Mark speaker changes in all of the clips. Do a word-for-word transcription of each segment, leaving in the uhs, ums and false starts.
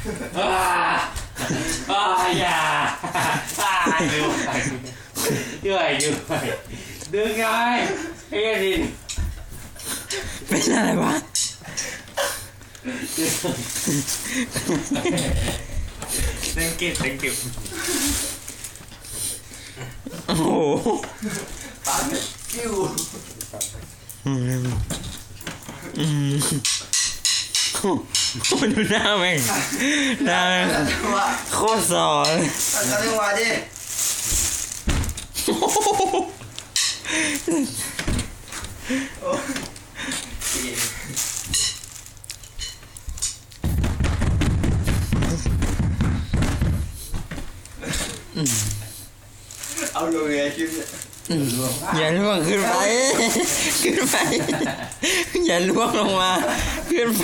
Speaker 1: อ่าอ่าอย่าอ่าอยู่อยู่อยู่ดึงไงไอ้ดิน
Speaker 2: เป็นอะไรวะ
Speaker 1: ดึงเก็บดึงเก็บ
Speaker 2: โอ้โห
Speaker 3: ปากกิ้ว
Speaker 2: อืมอืมดูหน้าแม่งหน้าแม่งโคตรสอน
Speaker 3: ตัดกันจังหวะดิเอาลงไงคลิปเนี่ย
Speaker 2: อย่าล่วงขึ้นไปขึ้นไปอย่าล่วงลงมาขึ้นไป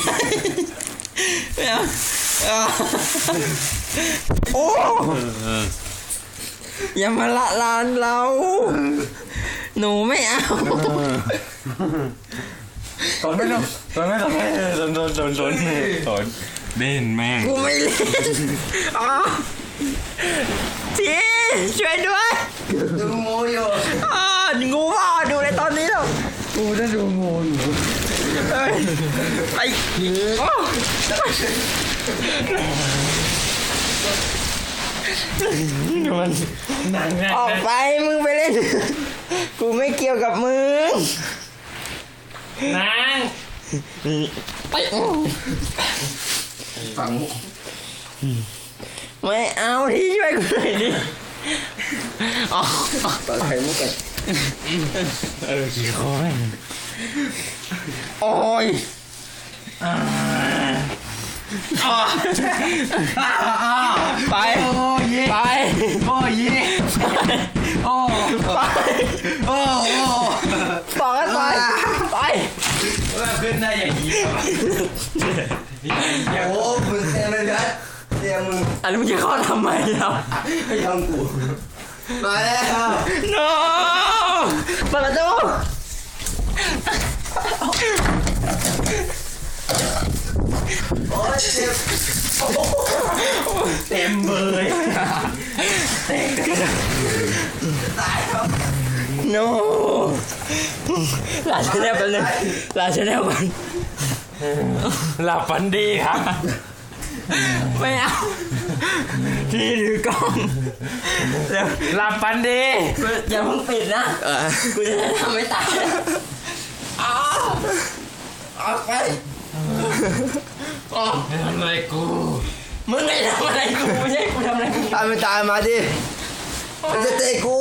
Speaker 2: โอ้อย่ามาละลานเราหนูไม่เอา
Speaker 1: ตอนไม่ต้องตอนไม่ต้องให้ตอนตอนตอนตอนตอนเล่นแม่ง
Speaker 2: กูไม่เล่นอ๋อทีช่วยด้วย
Speaker 3: ดูงูอยู่
Speaker 2: อ๋องูพ่อดูในตอนนี้แล้ว
Speaker 1: กูจะดูงูอยู่
Speaker 2: ไอ้ไอ้
Speaker 1: มันหนัง
Speaker 2: ออกไปมึงไปเล่นกูไม่เกี่ยวกับมึง
Speaker 1: นาง
Speaker 2: ไป
Speaker 3: ฝัง
Speaker 2: ไม่เอาที่ช่วยกูหน่อยดิอ๋อ
Speaker 3: ปลาไหลมุกกัน
Speaker 1: เออขี้คอย
Speaker 2: โอ้ยไป
Speaker 1: โอ้ย
Speaker 2: ไป
Speaker 1: โอ้ยโอ้
Speaker 2: ไป
Speaker 1: โอ้โอ้
Speaker 2: บอกกันไปไป
Speaker 1: ว่าขึ้นได้อย่างนี้
Speaker 3: โอ้มึงเต็มเลยนะเต็มมึง
Speaker 2: อันนี้มึงจะเข้าทำไมครับ
Speaker 3: ไม่ทำกูมาแล้ว
Speaker 2: no เปิดประตู
Speaker 3: โอ้ยเจ็บ
Speaker 2: เต็มเบยเต็ม
Speaker 3: ตายครับ
Speaker 2: no หลานชาแนลกันเลยหลานชาแนลกัน
Speaker 1: หลับฝันดีครับ
Speaker 2: ไม่เอาที่ถือกล้อง
Speaker 1: หลับฝันดี
Speaker 2: อย่าเพิ่งปิดนะกูจะทำไม่ตายอ้าวออกไป
Speaker 1: อ๋อทำอะไรกู
Speaker 2: มึงไงทำอะไรกูไม่ใช่กูทำอะไรกู
Speaker 3: ตายไม่ตายมาดิมันจะเตะกู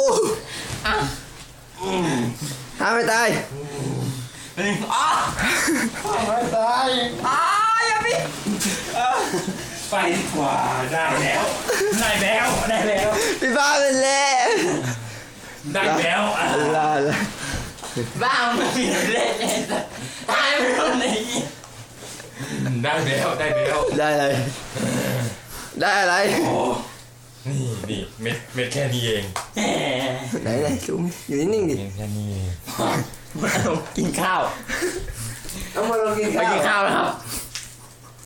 Speaker 3: ตายไม่ตาย
Speaker 2: อ้าว
Speaker 3: ไม่ตาย
Speaker 2: อ้าวอย่าพี่
Speaker 1: ไปดีกว่าได้แล้วได้แล้วได้แล้ว
Speaker 3: พี่บ้าเป็นเล่
Speaker 1: ได้แล้ว
Speaker 3: ลาลา
Speaker 2: บ้ามึงเล่นตายไม่รู้ไหน
Speaker 1: ได้แล้วได้แล้ว
Speaker 3: ได้อะไรได้อะไร
Speaker 1: โอ้นี่นี่เม็ดเม็ดแค่นี้เอง
Speaker 3: ไหนไหนซูมอยู่นิ่งๆดิ
Speaker 1: แค่นี้
Speaker 2: มาลงกินข้าว
Speaker 3: ต้องมาลงกินข้าว
Speaker 2: ไปกินข้าวแล้วครับ